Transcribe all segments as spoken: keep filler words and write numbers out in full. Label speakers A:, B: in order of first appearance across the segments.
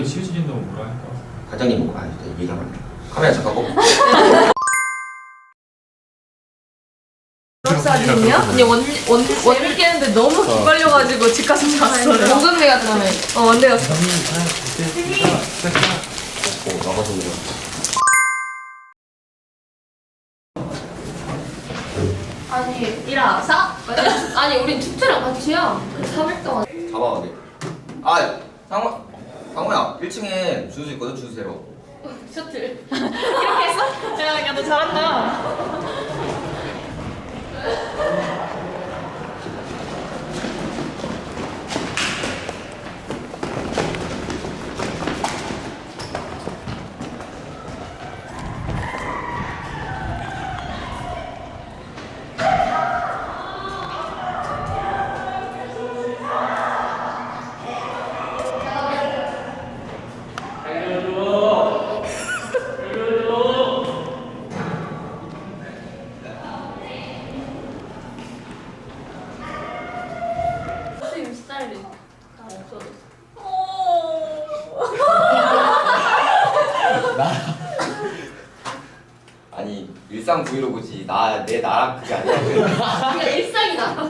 A: 치우진다고 뭐라 할까?
B: 과장님 뭐가 아니다 얘기하면 안 돼. 카메라 잠깐 꺼.
C: 졸업사진이요?
D: 아니 원원 원일 깨는데 너무 기빨려가지고 집 가서 잤어요.
C: 원근대 같다며.
D: 어 원대 갔어.
B: 어 나가서 그냥.
C: 아니 일어나서? 아니 우린 축제랑 같이야. 삼 일 동안.
B: 잡아 돼. 아 상호 상호야 일 층에 주소 있거든 주소대로.
C: 셔틀.
D: 이렇게 했어? 야, 야, 너 잘한다.
C: 선생님 스타일이 다 없어졌어.
B: 아니 일상 브이로그지 나 내 나랑 그게 아니라고.
C: 그냥 일상이다.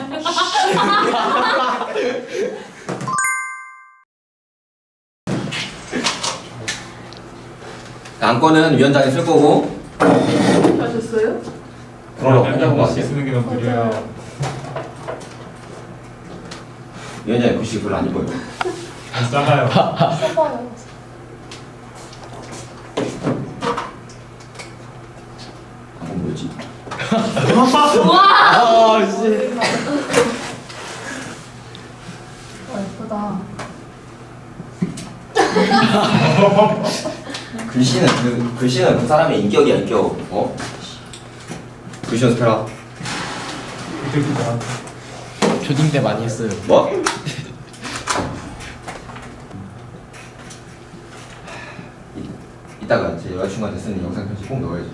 B: 안건은 위원장이 쓸 거고.
C: 하셨어요?
B: 그럼
A: 맨날
B: 혼자
A: 글씨
B: 같아.
A: 쓰는 게 너무 느려요.
B: 위원장이 글씨 별로 안 이뻐요.
A: 안 작아요.
C: 써봐요.
B: 안건 뭐였지?
C: 우와!
D: 씨.
C: 어, 예쁘다.
B: 글씨는 그 글씨는 그 사람의 인격이야 인격. 어? 글씨 연습해라.
A: 이렇게 나한테.
E: 초딩 때 많이 했어요.
B: 뭐? 이- 이따가 제 여자친구한테 쓰는 영상 편지 꼭 넣어야지.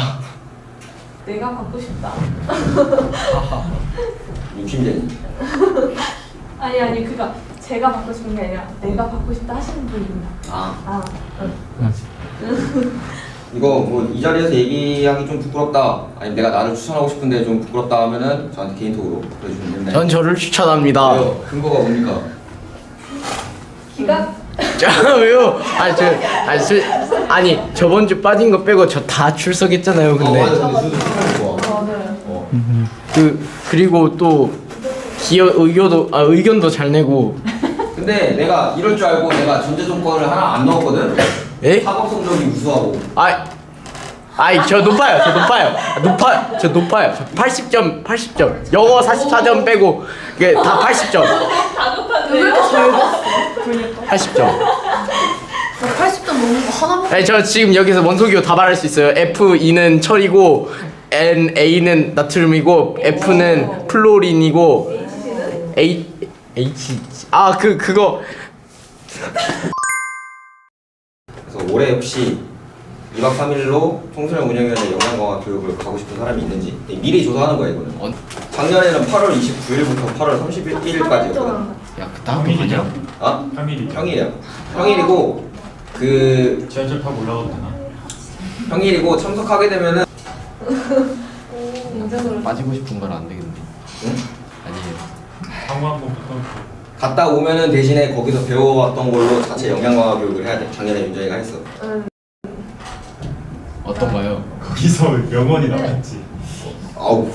C: 내가 받고 싶다.
B: 욕심쟁이.
C: 아니 아니 그니까 제가 받고 싶은 게 아니라 내가 받고 싶다 하시는 분이 있나?
B: 아
C: 아, 응.
B: 이거 뭐 이 자리에서 얘기하기 좀 부끄럽다. 아니 내가 나를 추천하고 싶은데 좀 부끄럽다 하면은 저한테 개인톡으로 보내주시면 됩니다.
E: 전 저를 추천합니다.
B: 왜요? 근거가 뭡니까?
C: 기각?
E: 자, 왜요? 아니 저 아니, 술, 아니 저번 주 빠진 거 빼고 저 다 출석했잖아요. 근데
B: 어 맞아 근데 수도 추천해 좋아.
C: 맞아요.
B: 어.
E: 그 그리고 또 기여 의견도 아 의견도 잘 내고.
B: 근데 내가 이럴 줄 알고 내가 전제 조건을 하나 안 넣었거든?
E: 에?
B: 학업 성적이 우수하고.
E: 아이 아이 저 높아요. 저 높아요. 높아 저 높아요. 저 팔십 점 팔십 점. 영어 사십사 점 빼고 이게 다 팔십 점.
C: 왜 이렇게 잘 봤어?
E: 팔십 점.
C: 팔십 점 넘는 거 하나만.
E: 네, 저 지금 여기서 원소기호 다 말할 수 있어요. 에프 이는 철이고 N A는 나트륨이고 F는 플로린이고
C: H는?
E: A H 아 그 그거
B: 그래서 올해 혹시 이 박 삼 일로 청소년 운영위원회 영양강화 교육을 가고 싶은 사람이 있는지 미리 조사하는 거야 이거는.
E: 어?
B: 작년에는 팔월 이십구일부터 팔월 삼십일까지였거든.
E: 야 그때 학교 가냐?
B: 어?
A: 삼 일이죠.
B: 평일이야. 평일이고 그
A: 지하철 타고 올라가도 되나?
B: 평일이고 참석하게 되면은
C: 인정으로.
E: 빠지고 싶은 건 안 되겠네.
B: 응?
E: 아니에요.
A: 상호 한번 붙어.
B: 갔다 오면은 대신에 거기서 배워왔던 걸로 자체 영양강화 교육을 해야 돼. 작년에 윤정이가 했어.
C: 응.
E: 어떤가요?
A: 거기서 명언이 나왔지.
B: 아우.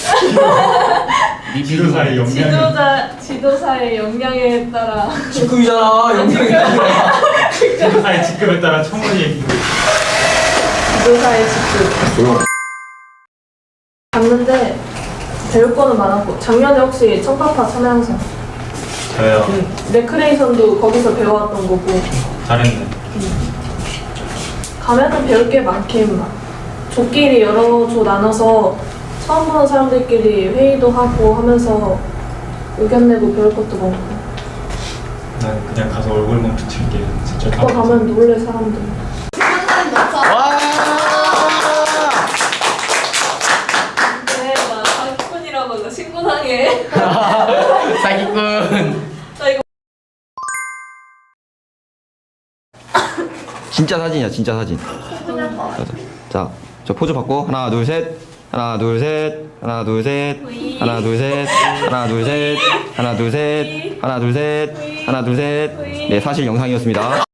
A: 지도사의 역량.
C: 지도자 지도사의 역량에 따라.
B: 직급이잖아. 영양이 아니라.
A: 지도사의 직급에 따라 청원이 얘기고.
C: 지도사의 직급.
B: 조용.
C: 갔는데 배울 거는 많았고 작년에 혹시 청파파 참여영상
A: 저요.
C: 레크레이션도 거기서 배워왔던 거고
A: 잘했네.
C: 가면은 배울 게 많긴 막 조끼리 여러 조 나눠서 처음 보는 사람들끼리 회의도 하고 하면서 의견 내고 배울 것도 많고
A: 난 그냥 가서 얼굴 멈춰 칠게. 진짜
C: 그거 가면 놀래 사람들.
E: 와!
C: 근데 나 사기꾼이라고 나 신고당해.
E: 사기꾼.
B: 진짜 사진이야, 진짜 사진. 자, 저 포즈 받고 하나, 둘, 셋. 하나, 둘, 셋. 하나, 둘, 셋. 하나, 둘, 셋. 하나, 둘, 셋. 하나, 둘, 셋. 하나, 둘, 셋. 하나, 둘, 셋. 네, 사실 영상이었습니다.